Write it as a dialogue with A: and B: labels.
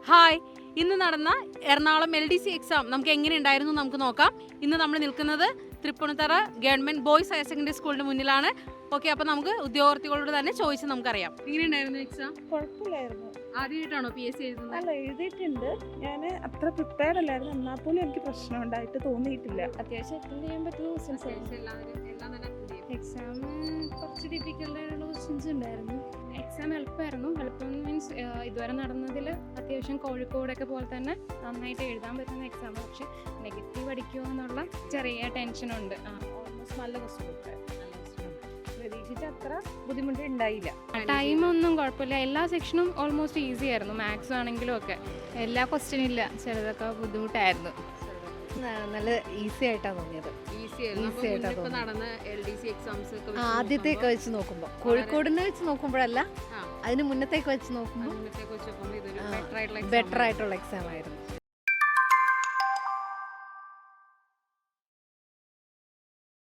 A: Hi, ഇന്ന് നടന്ന Ernakulam LDC exam നമുക്ക് എങ്ങനെ ഉണ്ടായിരുന്നു നമുക്ക് നോക്കാം. ഇന്ന് നമ്മൾ നിൽക്കുന്നത് Tripunithura government boys higher secondary സ്കൂളിന്റെ മുന്നിലാണ്. ഓക്കെ, അപ്പോൾ നമുക്ക് ഉദ്യോഗാർത്ഥികളോട് തന്നെ ചോദിച്ച് നമുക്കറിയാം. എങ്ങനെ ഉണ്ടായിരുന്നു എക്സാം?
B: കുഴപ്പമില്ലായിരുന്നു.
A: ആദ്യമായിട്ടാണോ PSC എഴുതുന്നത്?
B: അല്ല, എഴുതിയിട്ടുണ്ട്. ഞാൻ അത്ര പ്രിപ്പയർഡ് അല്ലായിരുന്നു. എന്നാൽ പോലും എനിക്ക് പ്രശ്നം ഉണ്ടായിട്ട് തോന്നിയിട്ടില്ല.
C: അത്യാവശ്യം അറ്റൻഡ് ചെയ്യാൻ പറ്റുന്ന ക്വസ്റ്റ്യൻസ് എക്സാം കുറച്ച് ഡിഫിക്കൽട്ട് ആയിട്ടുള്ള ക്വസ്റ്റ്യൻസ് ഉണ്ടായിരുന്നു. എക്സാം എളുപ്പമായിരുന്നു. എളുപ്പം മീൻസ് ഇതുവരെ നടന്നതിൽ അത്യാവശ്യം കോഴിക്കോടൊക്കെ പോലെ തന്നെ നന്നായിട്ട് എഴുതാൻ പറ്റുന്ന എക്സാം. പക്ഷെ നെഗറ്റീവ് അടിക്കുമോ എന്നുള്ള ചെറിയ ടെൻഷനുണ്ട്.
B: ഓൾമോസ്റ്റ് നല്ല ക്വസ്റ്റ്യൻ പ്രതീക്ഷിച്ച അത്ര ബുദ്ധിമുട്ട് ഉണ്ടായില്ല.
C: ടൈമൊന്നും കുഴപ്പമില്ല. എല്ലാ സെക്ഷനും ഓൾമോസ്റ്റ് ഈസി ആയിരുന്നു. മാത്സ് ആണെങ്കിലും ഒക്കെ
D: എല്ലാ ക്വസ്റ്റ്യനും ഇല്ല, ചിലതൊക്കെ ബുദ്ധിമുട്ടായിരുന്നു. നല്ല ഈസി ആയിട്ടാണ് തോന്നിയത്. ആദ്യത്തേക്ക് വെച്ച് നോക്കുമ്പോൾ, കോഴിക്കോടിനെ വെച്ച് നോക്കുമ്പോഴല്ല, അതിന് മുന്നത്തേക്ക് വെച്ച് നോക്കുമ്പോൾ ബെറ്റർ ആയിട്ടുള്ള എക്സാം ആയിരുന്നു.